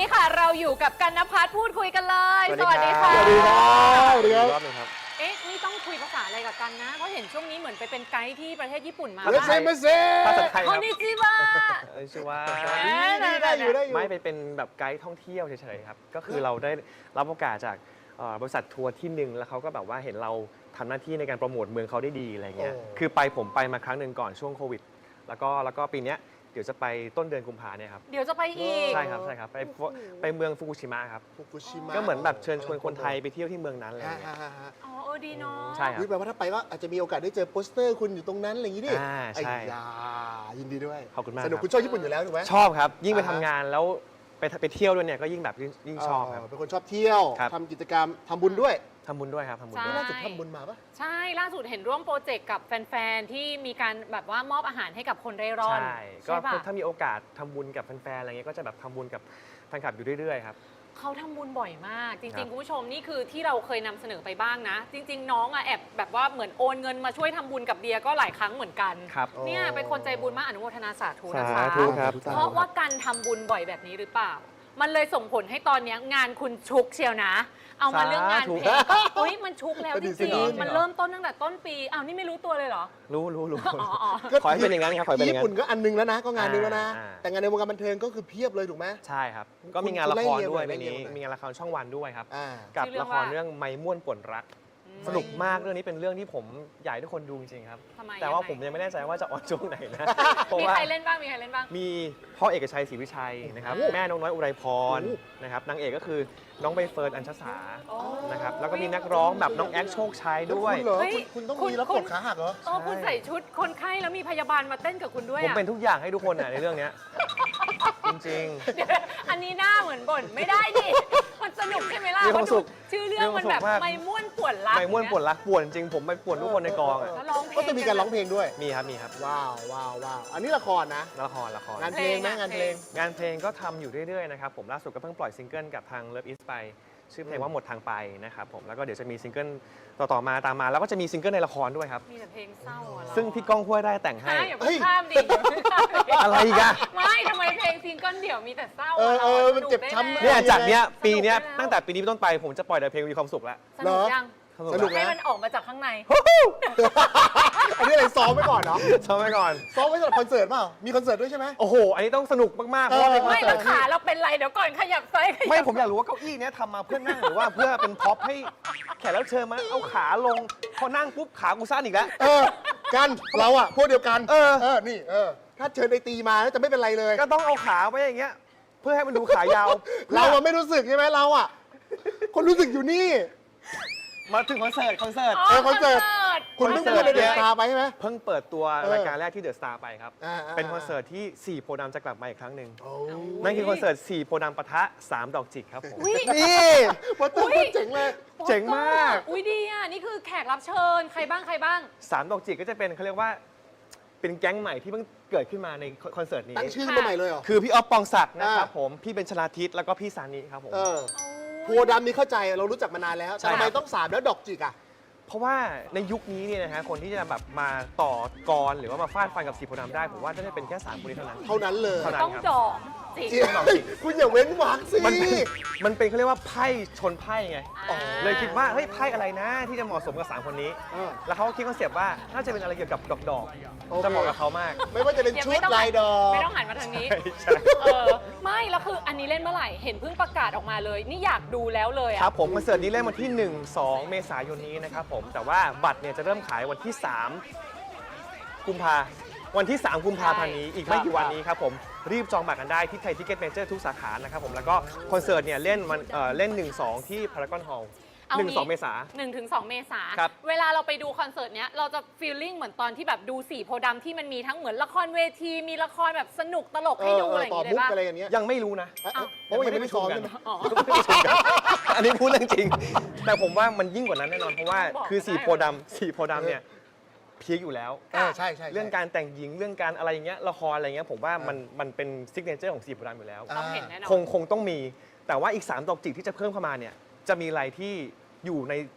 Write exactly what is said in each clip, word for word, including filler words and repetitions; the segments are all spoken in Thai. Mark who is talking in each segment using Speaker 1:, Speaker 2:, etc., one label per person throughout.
Speaker 1: ค่ะเราอยู่กับกันณภัทรพูดคุยกันเลยสวัสดีค่ะ
Speaker 2: สวัสดีครับสวัสดีครับ
Speaker 3: รอบหนึงครับ
Speaker 1: เอ๊ะนี่ต้องคุยภาษาอะไรกับกันนะเพราะเห็นช่วงนี้เหมือนไปเป็นไกด์ที่ประเทศญี่ปุ่นมา
Speaker 2: เลเซเมเซ่
Speaker 3: ภาษาไทย
Speaker 1: ค
Speaker 3: ครั
Speaker 1: น
Speaker 3: บ
Speaker 1: นิจิวะ
Speaker 3: เอ้ยชื่อว่า
Speaker 2: นี่ได้อยู่ได้อยู่
Speaker 3: ไม่ไปเป็นแบบไกด์ท่องเที่ยวเฉยๆครับก็คือเราได้รับโอกาสจากเอ่อบริษัททัวร์ที่หนึ่งแล้วเขาก็แบบว่าเห็นเราทำหน้าที่ในการโปรโมทเมืองเขาได้ดีอะไรเงี้ยคือไปผมไปมาครั้งหนึ่งก่อนช่วงโควิดแล้วก็แล้วก็ปีเนี้ยเดี๋ยวจะไปต้นเดือนกุมภาเนี่ยครับ
Speaker 1: เดี๋ยวจะไปอีก
Speaker 3: ใช่ครับใช่ครับไปไปเมืองฟุกุชิมะครับ
Speaker 2: ฟุกุชิมะ
Speaker 3: ก็เหมือนแบบเชิญชวนคนไทยไปเที่ยวที่เมืองนั้นอะไร
Speaker 2: ฮ่า
Speaker 3: เงี้ย
Speaker 2: ฮ่าฮ่า
Speaker 1: อ๋อเออดีเนาะ
Speaker 3: ใช่ครับ
Speaker 2: แปลว่าถ้าไปก็อาจจะมีโอกาสได้เจอโปสเตอร์คุณอยู่ตรงนั้นอะไรอย่างนี้ดิ
Speaker 3: อ่าใช่
Speaker 2: ไอ้ยายินดีด้วย
Speaker 3: ขอบคุณมาก
Speaker 2: สนุก
Speaker 3: ครับ
Speaker 2: คุณชอบญี่ปุ่นอยู่แล้วถูกไหม
Speaker 3: ชอบครับยิ่งไป
Speaker 2: อ่า
Speaker 3: ทำ
Speaker 2: ฮะ
Speaker 3: งานแล้วไปไปเที่ยวด้วยเนี่ยก็ยิ่งแบบยิ่งยิ่งชอบครับ
Speaker 2: เป็นคนชอบเที่ยว
Speaker 3: ครับ
Speaker 2: ทำกิจกรรมทำบุญด้วย
Speaker 3: ทำบุญด้วยครับทำบุญ
Speaker 1: ใช่
Speaker 3: ด้วย
Speaker 2: ล่าสุดทำบุญมาปะ
Speaker 1: ใช่ล่าสุดเห็นร่วมโปรเจกต์กับแฟนๆที่มีการแบบว่ามอบอาหารให้กับคนเร่ร่อน
Speaker 3: ใช่ก็
Speaker 1: ใช่ปะ
Speaker 3: ถ้ามีโอกาสทำบุญกับแฟนๆอะไรเงี้ยก็จะแบบทำบุญกับแฟนคลับอยู่เรื่อยๆครับ
Speaker 1: เขาทำบุญบ่อยมาก จ
Speaker 3: ครั
Speaker 1: ริง
Speaker 3: บ
Speaker 1: ๆ คุณผู้ชมนี่คือที่เราเคยนำเสนอไปบ้างนะ จริง ๆ น้องอะแอบแบบว่าเหมือนโอนเงินมาช่วยทำบุญกับเดียก็หลายครั้งเหมือนกัน
Speaker 3: ครับ
Speaker 1: เนี่ยเป็นคนใจบุญมากอนุโมทนาสาธุนะคะ
Speaker 3: สาธุครับ
Speaker 1: เพราะว่าการทำบุญบ่อยแบบนี้หรือเปล่า มันเลยส่งผลให้ตอนนี้งานคุณชุกเชียวนะ เอามาเรื่องงานเพลงก็เฮ้ยมันชุกแล้วจริงๆมันเริ่มต้นตั้งแต่ต้นปีอ้าวนี่ไม่รู้ตัวเลยเหรอ
Speaker 3: รู้รู้รู้
Speaker 1: อ๋ออ๋อ
Speaker 3: ขอให้เป็นอย่างนั้นครับขอให้เป็นอ
Speaker 2: ญี่
Speaker 3: ย่างนั้
Speaker 2: ปุ่น
Speaker 3: น
Speaker 2: ก็อันนึงแล้วนะ ก็งานนึงแล้วนะ
Speaker 3: อ่า
Speaker 2: แต่งานในวงการบันเทิงก็คือเพียบเลยถูกไหม
Speaker 3: ใช่ครับ ก็
Speaker 2: คุณ
Speaker 3: มีงานละครด้วย
Speaker 2: คุณไล่
Speaker 3: ใน
Speaker 2: เรียง
Speaker 3: นี้
Speaker 2: หน่อย
Speaker 3: มีงานละครช่องวันด้วยครับ
Speaker 2: อ่า
Speaker 3: กับ
Speaker 1: ชื่อเรื่อ
Speaker 3: ละ
Speaker 1: ง
Speaker 3: คร
Speaker 1: ว่า
Speaker 3: เรื่องไม้ม่วนป่วนรัก สนุกมากเรื่องนี้เป็นเรื่องที่ผมอยากให้ทุกคนดูจริงๆครับ
Speaker 1: ทำไม
Speaker 3: แต่ว่า
Speaker 1: ยังไง
Speaker 3: ผมยังไม่แน่ใจว่าจะออนช่วงไหนนะเพราะ
Speaker 1: มี
Speaker 3: ว่า
Speaker 1: ใครเล่นบ้างมีใครเล่นบ้าง
Speaker 3: มีพ่อเอกชัยศรีวิชัยนะครับ
Speaker 1: โอ้โห
Speaker 3: แม่น้องน้อยอุไรพร
Speaker 2: โอ้โห
Speaker 3: นะครับนางเอกก็คือน้องใบเฟิร์นอัญชสา
Speaker 1: โอ้
Speaker 3: นะครับแล้วก็มีนักร้องแบบน้องแอคโชคชัยด้วย
Speaker 2: คุณเหรอ
Speaker 1: เฮ้ย
Speaker 2: คุณคุณต้อง
Speaker 1: คุณ
Speaker 2: มีรับ
Speaker 1: คุ
Speaker 2: ก
Speaker 1: ณ
Speaker 2: ดขาหักเหรอ
Speaker 1: เออคุณใส่ชุดคนไข้แล้วมีพยาบาลมาเต้นกับคุณด้วย
Speaker 3: ผม
Speaker 1: อะ
Speaker 3: เป็นทุกอย่างให้ทุกคนอ่ะในเรื่องเนี้ยจริง
Speaker 1: เดี๋ยวอันนี้หน้าเหมือนบ่นไม่ได้ดิ มันสนุกใช่ไหมล่ะ
Speaker 3: มีความสุข
Speaker 1: ชื่อเรื่องมันแบบ
Speaker 3: มีความสุขมาก
Speaker 1: ไม่ม่วนป่วนรัก
Speaker 3: ๆไม่ม่วนป่วนรักป่วนจริงผมไปป่วนทุกคนในกองอ่ะ
Speaker 1: แล้วร้องเพลง
Speaker 2: ก็จะมีการร้องเพลงด้วย
Speaker 3: มีครับมีครับ
Speaker 2: ว้าวว้าวว้าวอันนี้ละครนะ
Speaker 3: ละครละครง
Speaker 2: านเพลงไหมงานเพลง
Speaker 3: งานเพลงก็ทำอยู่เรื่อยๆนะครับผมล่าสุดก็เพิ่งปล่อยซิงเกิลกับทาง Love Is ไปชื่อเพลงว่าหมดทางไปนะครับผมแล้วก็เดี๋ยวจะมีซิงเกิลต่อๆมาตามมาแล้วก็จะมีซิงเกิลในละครด้วยครับ
Speaker 1: มีแต่เพลงเศร้าอะเรา
Speaker 3: ซึ่งพี่ก้องห้วยไร่แต่งให้
Speaker 1: ใช่อย่าเพิ่งข้ามดิอย่าเพิ่งข้ามดิ
Speaker 3: อะไรอีกอะ
Speaker 1: ไม่ทำไมเพลงซิงเกิลเดี่ยวมีแต่เศร้า
Speaker 2: เออ
Speaker 1: อะ
Speaker 2: เออ
Speaker 1: รา
Speaker 2: มันเจ็บช้ำ
Speaker 1: สกได้
Speaker 3: เนี่ย
Speaker 1: ไหม
Speaker 3: จากเนี้ย
Speaker 1: สนุก
Speaker 3: ปีเนี้ย
Speaker 1: ได้แล้ว
Speaker 3: ตั้งแต่ปีนี้เป็นต้นไปผมจะปล่อยแต่เพลงมีความสุขแล้ว
Speaker 1: สนุกยัง
Speaker 2: สนุก
Speaker 1: ให้
Speaker 2: นะ
Speaker 1: มันออกมาจากข้างใน
Speaker 2: อันนี้อะไรซ้อมไว้ก่อนเนาะ
Speaker 3: ชอบไว้ก่อน
Speaker 2: ซ้อมไว้สำหรับคอนเสิร์ตเปล่ามีคอนเสิร์ตด้วยใช่ไหม
Speaker 3: โอ้โห อันนี้ต้องสนุกมากๆเพราะว่า
Speaker 2: เออ
Speaker 3: เป็นคอน
Speaker 1: ไม่
Speaker 3: เสิ
Speaker 1: แล้
Speaker 3: ร์
Speaker 1: ว
Speaker 3: ต
Speaker 1: ขา
Speaker 3: ที่
Speaker 1: เราเป็นไรเดี๋ยวก่อนขยับซ้ายขยับ
Speaker 3: ไม่ผมอยากรู้ว่าเก้าอี้เนี้ยทำมาเพื่อนั่งหรือว่าเพื่อเป็นพ็อปให้แขกรับเชิญมาเอาขาลงพอนั่งปุ๊บขากูสั้นอีกแล้ว
Speaker 2: เออกันเราอะพวกเดียวกัน
Speaker 3: เออ
Speaker 2: เออนี่เออถ้าเชิญไอตีมาแล้วจะไม่เป็นไรเลย
Speaker 3: ก็ต้องเอาขาไว้อย่างเงี้ยเพื่อให้มันดูขายาว
Speaker 2: เราอะไม่รู้สึกใช่ไหมเราอะคนรู้สึกอยู่นี่
Speaker 3: มาถึงคอนเสิร์ตคอนเสิร์ต
Speaker 2: เออคอนเสิร์ต คุณ
Speaker 3: ค
Speaker 2: เพิ่
Speaker 3: อง นเสิ
Speaker 2: พู
Speaker 3: ร์
Speaker 2: ด
Speaker 3: ต
Speaker 2: ในเดอะสตาร์ไปใช่ไหม
Speaker 3: เพิ่งเปิดตัว
Speaker 2: เออ
Speaker 3: รายการแรกที่เดอะสตาร์ไปครับ
Speaker 2: อ่าอ่า
Speaker 3: เป็นคอนเสิร์ตที่สี่โพธิ์ดำจะกลับมาอีกครั้งหนึ่ง
Speaker 2: โอ้
Speaker 3: นั่นคือคอนเสิร์ตสี่โพธิ์ดำปะทะสามดอกจิกครับผม
Speaker 1: อุ๊ย
Speaker 3: นี่
Speaker 2: โปสเตอร์โคตรเจ๋งเลย
Speaker 3: เจ๋งมาก
Speaker 1: อุ้ยดีอ่ะ นี่คือแขกรับเชิญ ใครบ้างใครบ้าง
Speaker 3: สามดอกจิกก็จะเป็นเขาเรียกว่าเป็นแก๊งใหม่ที่เพิ่งเกิดขึ้นมาในคอนเสิร์ตนี้
Speaker 2: ตั้งชื่อมาใหม่เลยเหรอ
Speaker 3: คือพี่ออฟปองศักดิ์นะครับ
Speaker 2: อ่า
Speaker 3: ผมพี่เบนชลาทิศแล้วก็พี่ซานิครับผม
Speaker 2: เออโพธิ์ดำนี่เข้าใจเรารู้จักมานานแล้ว
Speaker 3: ใช่
Speaker 2: แต่ทำไม
Speaker 3: ครับ
Speaker 2: ต้องสามแล้วดอกจิกอะ
Speaker 3: เพราะว่าในยุคนี้เนี่ยนะฮะคนที่จะแบบมาต่อกรหรือว่ามาฟาดฟันกับสีโพธิ์ดำได้ผมว่าจะได้เป็นแค่สามคนนี้เท่านั้น
Speaker 2: เท่านั้นเลย
Speaker 3: เท่านั้น
Speaker 1: ต้องดอกจิก
Speaker 2: จริงคุณอย่าเว้นวรรคสิ
Speaker 3: มันเป็นมันเป็นเขาเรียกว่าไพ่ชนไพ่ไง
Speaker 1: อ่า
Speaker 3: เลยคิดว่าเฮ้ยไพ่อะไรนะที่จะเหมาะสมกับสามคนนี้
Speaker 2: เออ
Speaker 3: แล้วเขาก็คิดคอนเซปต์ว่าน่าจะเป็นอะไรเกี่ยวกับดอกดอกๆ
Speaker 2: โอเค
Speaker 3: จะเหมาะกับเขามาก
Speaker 2: ไม่ว่าจะเป็น
Speaker 1: เดี๋ยว
Speaker 2: ชุ
Speaker 1: ไม่
Speaker 2: ด
Speaker 1: ต้อง
Speaker 2: ลายดอก
Speaker 1: ไม่ต้องหันมาทางนี้
Speaker 3: ใช่
Speaker 1: เออ ไม่แล้วคืออันนี้เล่นเมื่อไหร่ เห็นเพิ่งประกาศออกมาเลย นี่อยากดูแล้วเลย
Speaker 3: ค
Speaker 1: อ่ะ
Speaker 3: รับผมคอนเสิร์ตนี้เล่นวันที่ หนึ่ง สอง เมษายนนี้นะครับผมแต่ว่าบัตรเนี่ยจะเริ่มขายวันที่ สาม กุมภาวันที่ สาม กุมภาพันธ์นี้อีกไม่กี่วันนี้ครับผมรีบจองบัตรกันได้ที่ไทยทิเก็ตเมเจอร์ทุกสาขานะครับผมแล้วก็คอนเสิร์ตเนี่ยเล่นวันเอ่อเล่น หนึ่ง สอง ที่พารากอนฮอลล์
Speaker 1: เอา
Speaker 3: หนึ่ง
Speaker 1: งี้
Speaker 3: สอง เมษา
Speaker 1: หนึ่งถึงสองเมษา
Speaker 3: ครับ
Speaker 1: เวลาเราไปดูคอนเสิร์ตเนี้ยเราจะฟีลลิ่งเหมือนตอนที่แบบดูสีโพธิ์ดำที่มันมีทั้งเหมือนละครเวที มีละครแบบสนุกตลก
Speaker 2: เอ
Speaker 1: ให้
Speaker 2: อ
Speaker 1: ดู
Speaker 2: เอ
Speaker 1: อะไร
Speaker 2: อ
Speaker 1: อย่าง
Speaker 2: ต่อ
Speaker 1: งี้เล
Speaker 2: มุ
Speaker 1: ย
Speaker 2: ก
Speaker 1: ป่ะ
Speaker 2: อะไรอย่างเงี้ย
Speaker 3: ยังไม่รู้นะ
Speaker 2: เอ๊ะเอ๊ะเพราะว่ายังไม่ได้ซ้อมใช่ไหม
Speaker 1: อ๋อ
Speaker 3: อันนี้พูดเรื่องจริง แต่ผมว่ามันยิ่งกว่านั้นแน่นอน เพราะว่า
Speaker 1: บอก
Speaker 3: คือ
Speaker 1: ก็ได้
Speaker 3: สีโพธิ์ดำสีโพธิ์ดำเนี่ยพีคอยู่แล้ว
Speaker 2: เออใช่ใช่
Speaker 3: เรื่องการแต่งหญิงเรื่องการอะไรอย่างเงี้ยละครอะไรเงี้ยผมว่ามันมันเป็นซิกเนเจอร์ของสีโพธิ์ดำอยู่แล้ว
Speaker 1: ต้องเห็นแน่นอน
Speaker 3: คงคงต้องมีแต่ว่าอีกสามดอกจิกที่จะเพิ่มเข้ามาเนี่ยจะมีอะไรที่อยู่ใน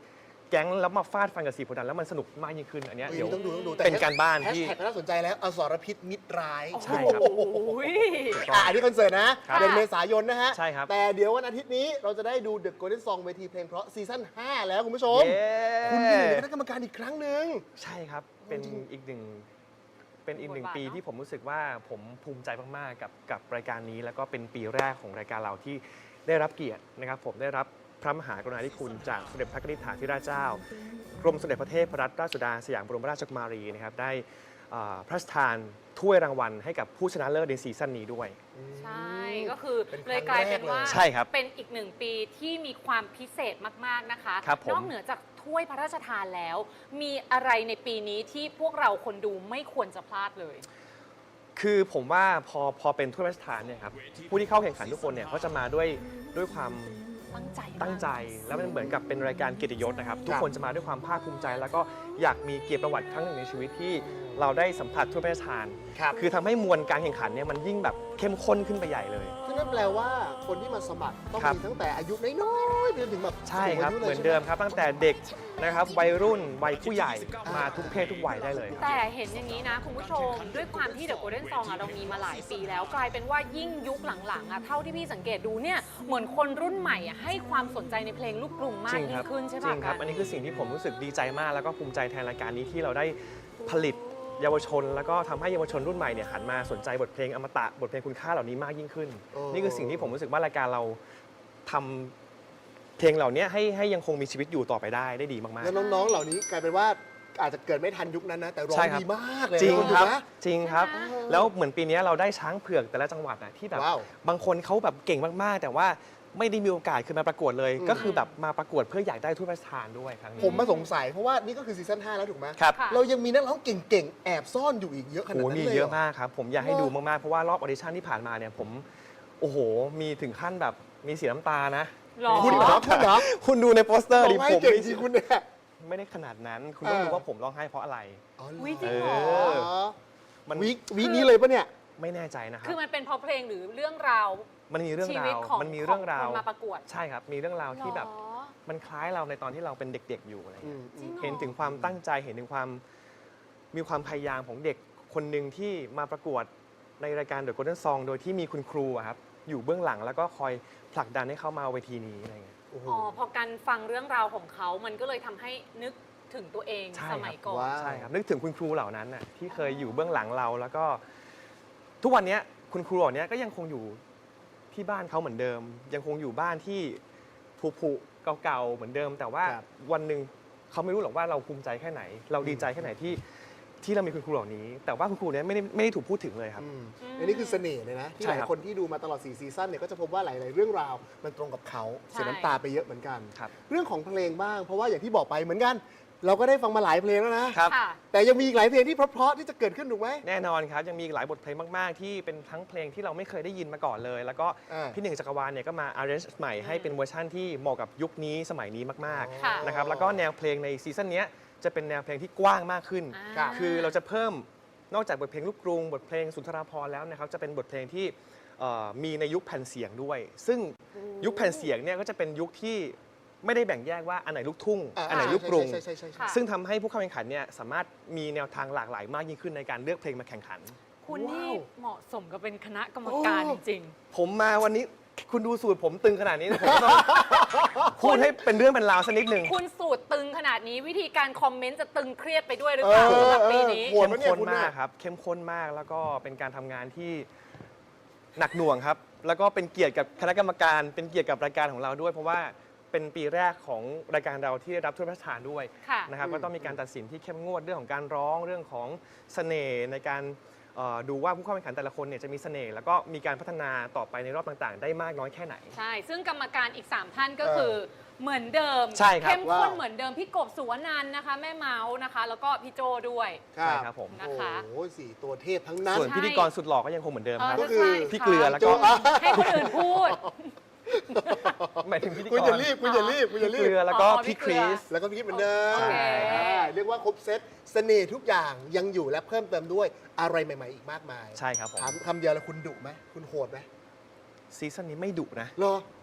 Speaker 3: แก๊งแล้วมาฟาดฟันกับสีโพธิ์ดำแล้วมันสนุกมากยิ่งขึ้นอันเนี้ย
Speaker 2: เฮ้ย
Speaker 3: เดี๋ยว
Speaker 2: ต้องดูต้องดูแต่
Speaker 3: เป็นการบ้าน
Speaker 2: แฮช
Speaker 3: ที่
Speaker 2: แท็กน่าสนใจแล้วอสรพิษมิตรร้าย
Speaker 3: ใช่ครับ
Speaker 2: โอ้โห
Speaker 1: โอ้ย
Speaker 2: อ่ะอันนี้คอนเสิร์ตนะ
Speaker 1: ค่ะ
Speaker 2: เดือนเมษายนนะฮะ
Speaker 3: ใช่ครับ
Speaker 2: แต่เดี๋ยววันอาทิตย์นี้เราจะได้ดู The Golden Song เวทีเพลงเพราะซีซั่นห้าแล้วคุณผู้ชม
Speaker 3: เย้
Speaker 2: คุณอยู่ในคณะกรรมการอีกครั้งหนึ่ง
Speaker 3: ใช่ครับ เป็น
Speaker 2: จริง
Speaker 3: อีกหนึ่งเป็นอีกหนึ่ง
Speaker 1: บทบาท
Speaker 3: ปี
Speaker 1: เนอะ
Speaker 3: ที่ผมรู้สึกว่าผมภูมิใจมากๆกับกับรายการนี้ แล้วก็เป็นปีแรกของรายการเราที่ได้รับเกียรตินะครับผมได้รับพระมหากรุณาธิคุณจากสมเด็จพระนิธิถาธิราชเจ้ากรมสมเด็จพระเทพรัตนราชสุดาสยามบรมราชกุมารีนะครับได้อ่าพระราชทานถ้วยรางวัลให้กับผู้ชนะเลิศในซีซั่นนี้ด้วย
Speaker 1: ใช่ก็คือ
Speaker 2: เป็นครั้ง
Speaker 1: เลยกลายเป็นว่า
Speaker 2: แรกเลย
Speaker 3: ใช่ครับ
Speaker 1: เป็นอีกหนึ่งปีที่มีความพิเศษมากๆนะคะ
Speaker 3: ครับผม
Speaker 1: นอกเหนือจากถ้วยพระราชทานแล้ว มีอะไรในปีนี้ที่พวกเราคนดูไม่ควรจะพลาดเลย
Speaker 3: คือผมว่าพอพอเป็นถ้วยพระราชทานเนี่ยครับผู้ที่เข้าแข่งขันทุกคนเนี่ยเขาจะมาด้วยด้วยความ
Speaker 1: ตั้งใจมาก
Speaker 3: ตั้งใจแล้วมันเหมือนกับเป็นรายการเกียรติยศนะครับทุกคนจะมาด้วยความภาคภูมิใจ แล้วก็อยากมีเกียรติประวัติครั้งหนึ่งในชีวิทที่เราได้สัมผัสถ้วยพระราชทาน
Speaker 2: ครับ
Speaker 3: คือทำให้มวลการแข่งขันเนี่ยมันยิ่งแบบเข้มข้นขึ้นไปใหญ่เลย
Speaker 2: ซึ่งนั่นแปลว่าคนที่มาสมัครต้อง
Speaker 3: ครับ
Speaker 2: มีตั้งแต่อายุน้อยๆไปจนถึงแบบ
Speaker 3: ใช่ครับ
Speaker 2: สูงายุลย
Speaker 3: เหมือนเดิมครับตั้งแต่เด็กนะครับวัยรุ่นวัยผู้ใหญ่มาทุกเพศทุกวัยได้เลยครับ
Speaker 1: แต่เห็นอย่างนี้นะคุณผู้ชม ด้วยความที่ The Golden Song อะเรามีมาหลายปีแล้วกลายเป็นว่ายิ่งยุคหลังๆอะเท่าที่พี่สังเกตดูเนี่ยเหมือนคนรุ่นใหม่อะให้ความสนใจในเพลงลูกกรุงมาก
Speaker 3: จริง
Speaker 1: ยิ่
Speaker 3: ครั
Speaker 1: งขึ้นใช่
Speaker 3: จริ
Speaker 1: ปะ
Speaker 3: งครับ
Speaker 1: กั
Speaker 3: อันนี้คือสิ่งที่ผมรู้สึกดีใจมาก แล้วก็ภูมิใจแทนรายการนี้ที่เราได้ผลิตเยาวชน แล้วก็ทำให้เยาวชนรุ่นใหม่เนี่ยหันมาสนใจบทเพลงอมตะบทเพลงคุณค่าเหล่านี้มากยิ่งขึ้น
Speaker 2: โอ้
Speaker 3: นี่คือสิ่งที่ผมรู้สึกว่ารายการเราทำเพลงเหล่านี้ให้ให้ยังคงมีชีวิตอยู่ต่อไปได้ได้ดีมาก
Speaker 2: แล้วน้องๆ เหล่านี้กลายเป็นว่าอาจจะเกิดไม่ทันยุคนั้นนะ แต่ร้อ
Speaker 3: ใช่
Speaker 2: ง
Speaker 3: ครับ
Speaker 2: ดีมากเลย
Speaker 3: ๆ จริง
Speaker 2: นะ
Speaker 3: ครับ
Speaker 2: ถูกไหม
Speaker 3: จริงครับ
Speaker 1: ใช่ไหม
Speaker 3: แล้วเหมือนปีนี้เราได้ช้างเผือกแต่ละจังหวัดนะที่แบบ
Speaker 2: ว้าว
Speaker 3: บางคนเขาแบบเก่งมากๆ แต่ว่าไม่ได้มีโอกาสขึ้นมาประกวดเลย
Speaker 2: อืม
Speaker 3: ก็คือแบบมาประกวดเพื่ออยากได้ถ้วยพระราชทานด้วยครั้งนี้
Speaker 2: ผมมาสงสัยเพราะว่านี่ก็คือซีซั่นห้าแล้วถูกไหม
Speaker 3: ครับ
Speaker 1: ค่ะ
Speaker 2: เรายังมีนักร้องเก่งๆ แอบซ่อนอยู่อีกเยอะขนาด
Speaker 3: โอ้
Speaker 2: นั้น
Speaker 3: มี
Speaker 2: เลย
Speaker 3: เย
Speaker 2: หร
Speaker 3: อะมากครับ ผมอยากให้
Speaker 2: เหรอ
Speaker 3: ดูมาก ๆ เพราะว่ารอบออดิชั่นที่ผ่านมาเนี่ยผม โอ้โห มีถึงขั้นแบบมีเสียน้ำตานะ
Speaker 1: หรอ
Speaker 2: คุณเหรอคุณเหรอ
Speaker 3: คุณดูในโปสเตอร์
Speaker 2: ร้
Speaker 3: ดิ
Speaker 2: องไห้
Speaker 3: ผม
Speaker 2: เก่ง
Speaker 3: ไม่
Speaker 2: จริงคุณเนี่ย
Speaker 3: ไม่ได้ขนาดนั้น คุณต้อง
Speaker 2: เออ
Speaker 3: รู้ว่าผมร้องไห้เพราะอะไร
Speaker 2: อ๋อเหรอ
Speaker 1: อุ๊ยจริงเหรอ
Speaker 3: เออ มัน
Speaker 2: วีควีคนี้เลยปะเนี่ย
Speaker 3: ไม่แน่ใจนะครั
Speaker 1: คื
Speaker 3: บ
Speaker 1: อมันเป็นเพราะเพลงหรือเรื่องราว
Speaker 3: มันมีเรื่อง
Speaker 1: ชี
Speaker 3: รา
Speaker 1: วิต
Speaker 3: ว
Speaker 1: ของ
Speaker 3: มันมีเรื่องราว
Speaker 1: ของคนมาประกวด
Speaker 3: ใช่ครับ มีเรื่องราวที่แบบ
Speaker 1: หรอ
Speaker 3: มันคล้ายเราในตอนที่เราเป็นเด็ก ๆ อยู่อะไร
Speaker 2: อื
Speaker 3: เงี้ย
Speaker 2: ม
Speaker 1: จริงเหรอ
Speaker 3: เห็นถึงความตั้งใจ เห็นถึงความมีความพยายามของเด็กคนหนึ่งที่มาประกวดในรายการ The Golden Song โดยที่มีคุณครูอะครับอยู่เบื้องหลังแล้วก็คอยผลักดันให้เข้ามาเวทีนี้อะไรเงี้ย
Speaker 2: โอ้โห
Speaker 1: อ๋อพอการฟังเรื่องราวของเขา มันก็เลยทำให้นึกถึงตัวเอง
Speaker 3: ใช่
Speaker 1: สมัย
Speaker 3: ครับ
Speaker 1: ก่อน
Speaker 2: ว้าว
Speaker 3: ใช่ครับนึกถึงคุณครูเหล่านั้นน่ะที่เคยอยู่เบื้องหลังเรา แล้วก็ทุกวันเนี้ยคุณครูเหล่านี้ก็ยังคงอยู่ที่บ้านเขาเหมือนเดิม ยังคงอยู่บ้านที่ผุๆเก่าๆเหมือนเดิม แต่ว่า
Speaker 2: ครับ
Speaker 3: วันหนึ่งเขาไม่รู้หรอกว่าเราภูมิใจแค่ไหน เราดีใจแค่ไหนที่ที่เรามีคุณครูเหล่านี้ แต่ว่าคุณครูเนี้ยไม่ได้ไม่ได้ถูกพูดถึงเลยครับ
Speaker 2: อืม
Speaker 1: อืม
Speaker 2: อันนี้คือเสน่ห์เลยนะ ที่
Speaker 3: ใช่
Speaker 2: หลาย
Speaker 3: ครับ
Speaker 2: คนที่ดูมาตลอดสี่ซีซั่นเนี่ยก็จะพบว่าหลาย ๆ เรื่องราวมันตรงกับเขาเสียน้ำตาไปเยอะเหมือนกัน
Speaker 3: ครับ
Speaker 2: เรื่องของเพลงบ้าง เพราะว่าอย่างที่บอกไปเหมือนกัน เราก็ได้ฟังมาหลายเพลงแล้วนะ
Speaker 3: ครับ
Speaker 1: ค่ะ
Speaker 2: แต่ยังมีอีกหลายเพลงที่เพราะ ๆ ที่จะเกิดขึ้นถูกไหม
Speaker 3: แน่นอนครับยังมีอีกหลายบทเพลงมากๆ ที่เป็นทั้งเพลงที่เราไม่เคยได้ยินมาก่อนเลย แล้วก็
Speaker 2: อ่า
Speaker 3: พี่หนึ่งจักรวาลเนี่ยก็มา arrange ใหม่ให้เป็นเวอร์ชั่นที่เหมาะกับยุคนี้สมัยนี้มาก
Speaker 1: ค่ะ
Speaker 3: ๆนะครับแล้วก็แนวเพลงในซีซั่นเนี้ยจะเป็นแนวเพลงที่กว้างมากขึ้น
Speaker 1: อ่า
Speaker 3: คือเราจะเพิ่มนอกจากบทเพลงลูกกรุง บทเพลงสุนทราภรณ์แล้วนะครับจะเป็นบทเพลงที่เอ่อมีในยุคแผ่นเสียงด้วย ซึ่งยุคแผ่นเสียงเนี่ยก็จะเป็นยุคที่ไม่ได้แบ่งแยกว่าอันไหนลูกทุ่ง
Speaker 2: อ่า
Speaker 3: อันไหนลูกกรุง
Speaker 2: ใช่ใช่ใช่ใช่
Speaker 1: ค่ะ
Speaker 3: ซึ่งทำให้ผู้เข้าแข่งขันเนี่ยสามารถมีแนวทางหลากหลายมากยิ่งขึ้นในการเลือกเพลงมาแข่งขัน
Speaker 1: คุณนี่
Speaker 2: ว้าว
Speaker 1: เหมาะสมกับเป็นคณะกรรมการ
Speaker 2: โอ้
Speaker 1: จริง
Speaker 3: ผมมาวันนี้คุณดูสูตรผมตึงขนาดนี้นะผมต้อง พูดให้เป็นเรื่องเป็นราวสักนิดหนึ่ง
Speaker 1: ๆ คุณสูตรตึงขนาดนี้วิธีการคอมเมนต์จะตึงเครียดไปด้วยหรือเปล่า
Speaker 2: เออ
Speaker 1: สำหรับปีนี้
Speaker 2: โหด
Speaker 3: เข้ม
Speaker 2: ปะเนี่ย
Speaker 3: ข้น
Speaker 2: คุณ
Speaker 3: มาก
Speaker 2: น่ะ
Speaker 3: ครับ เข้มข้นมากแล้วก็เป็นการทำงานที่หนักหน่วงครับ แล้วก็เป็นเกียรติกับคณะกรรมการ เป็นเกียรติกับรายการของเราด้วย เพราะว่าเป็นปีแรกของรายการเราที่ได้รับถ้วยพระราชทานด้วย
Speaker 1: ค่ะ
Speaker 3: นะครับ
Speaker 2: อืม
Speaker 3: ก็ต้องมีการตัดสินที่เข้มงวดเรื่องของการร้องเรื่องของเสน่ห์ในการเอ่อดูว่าผู้เข้าแข่งขันแต่ละคนเนี่ยจะมีเสน่ห์แล้วก็มีการพัฒนาต่อไปในรอบต่างๆ ได้มากน้อยแค่ไหน
Speaker 1: ใช่ ซึ่งกรรมการอีก สาม ท่านก็คือเหมือนเดิม
Speaker 3: ใช่ครับ
Speaker 1: เข้มข้น
Speaker 2: ว้าว
Speaker 1: เหมือนเดิม พี่กบสุวนันท์นะคะ แม่เมาส์นะคะ แล้วก็พี่โจด้วย
Speaker 3: ใช่ครับผม
Speaker 1: นะคะ
Speaker 2: โอ้โหสี่ตัวเทพทั้งนั้น
Speaker 3: ส่วนพิธีกรสุดหล่อก็ยังคงเหมือนเดิมครับ
Speaker 2: ก็คือ
Speaker 1: ใช่
Speaker 3: พี่เกลือแล้วก็
Speaker 2: โจ้อ่ะ
Speaker 1: ให้คนอื่นพูด
Speaker 3: หมายถึงพิธีกร
Speaker 2: คุณอย่ารีบคุณอย่ารีบคุณอย่ารี
Speaker 3: เก
Speaker 2: บ
Speaker 3: ลือแล้วก็
Speaker 1: อ๋อพี่
Speaker 3: พี่
Speaker 1: เก
Speaker 3: ค
Speaker 1: ลื
Speaker 3: ริ
Speaker 1: อ
Speaker 3: ส
Speaker 2: แล้วก็พี่เหมือนเดิม
Speaker 1: โอเค
Speaker 2: อ่าเรียกว่าครบเซตเสน่ห์ทุกอย่างยังอยู่และเพิ่มเติมด้วยอะไรใหม่ ๆ อีกมากมาย
Speaker 3: ใช่ครับผม
Speaker 2: ถามคำเดียวแล้วคุณดุไหมคุณโหดไหม
Speaker 3: ซีซั่นนี้ไม่ดุนะ
Speaker 2: เหรอ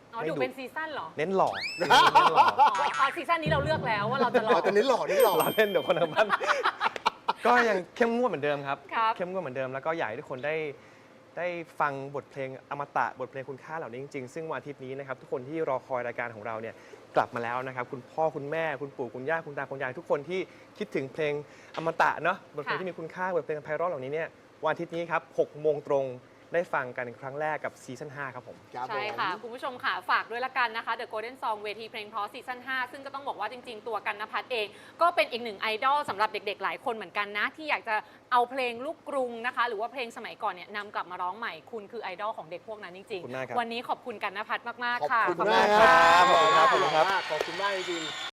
Speaker 1: อ๋อ
Speaker 3: ไม่
Speaker 1: ดู
Speaker 3: ดุ
Speaker 1: เป็นซีซั่นเหรอ
Speaker 3: เน้นหล่อเน้นหล่อ
Speaker 1: อ๋ออ๋อซีซั่นนี้เราเลือกแล้วว่าเราจะรอ
Speaker 2: อ๋อแต่นี้หล่อนี่หล่อ
Speaker 3: หล่อเล่นเดี๋ยวคนทางบ้าน ก็ยังเข้มงวดเหมือนเดิมครับ
Speaker 1: ครับ
Speaker 3: เข้มงวดเหมือนเดิมแล้วก็อยากให้ทุกคนได้ได้ฟังบทเพลงอมตะบทเพลงคุณค่าเหล่านี้จริงๆซึ่งวันอาทิตย์นี้นะครับทุกคนที่รอคอยรายการของเราเนี่ยกลับมาแล้วนะครับคุณพ่อคุณแม่คุณปู่คุณย่าคุณตาคุณยายทุกคนที่คิดถึงเพลงอมตะเนาะบทเพลง
Speaker 1: ค่ะ
Speaker 3: ที่มีคุณค่าบทเพลงไพเราะเหล่านี้เนี่ยวันอาทิตย์นี้ครับหกโมงตรงได้ฟังกันครั้งแรกกับซีซั่นห้าครับผม
Speaker 2: ครับ
Speaker 1: ใช่
Speaker 2: ผม
Speaker 1: ค่ะ คุณผู้ชมค่ะ ฝากด้วยละกันนะคะ The Golden Song เวทีเพลงเพราะซีซั่นห้าซึ่งก็ต้องบอกว่าจริงๆ ตัวกันนภัทรเอง ก็เป็นอีกหนึ่งไอดอลสำหรับเด็กๆ หลายคนเหมือนกันนะ ที่อยากจะเอาเพลงลูกกรุงนะคะ หรือว่าเพลงสมัยก่อนเนี่ยนำกลับมาร้องใหม่คุณคือไอดอลของเด็กพวกนั้นจริง
Speaker 3: ขอบคุณมากครับ
Speaker 1: ๆ วันนี้ขอบคุณกันนภัทรมาก
Speaker 2: ขอบ
Speaker 1: ๆ ค่ะ
Speaker 2: คุณมาก
Speaker 3: ขอบคุณครับ
Speaker 2: ขอบคุณมากจริงๆ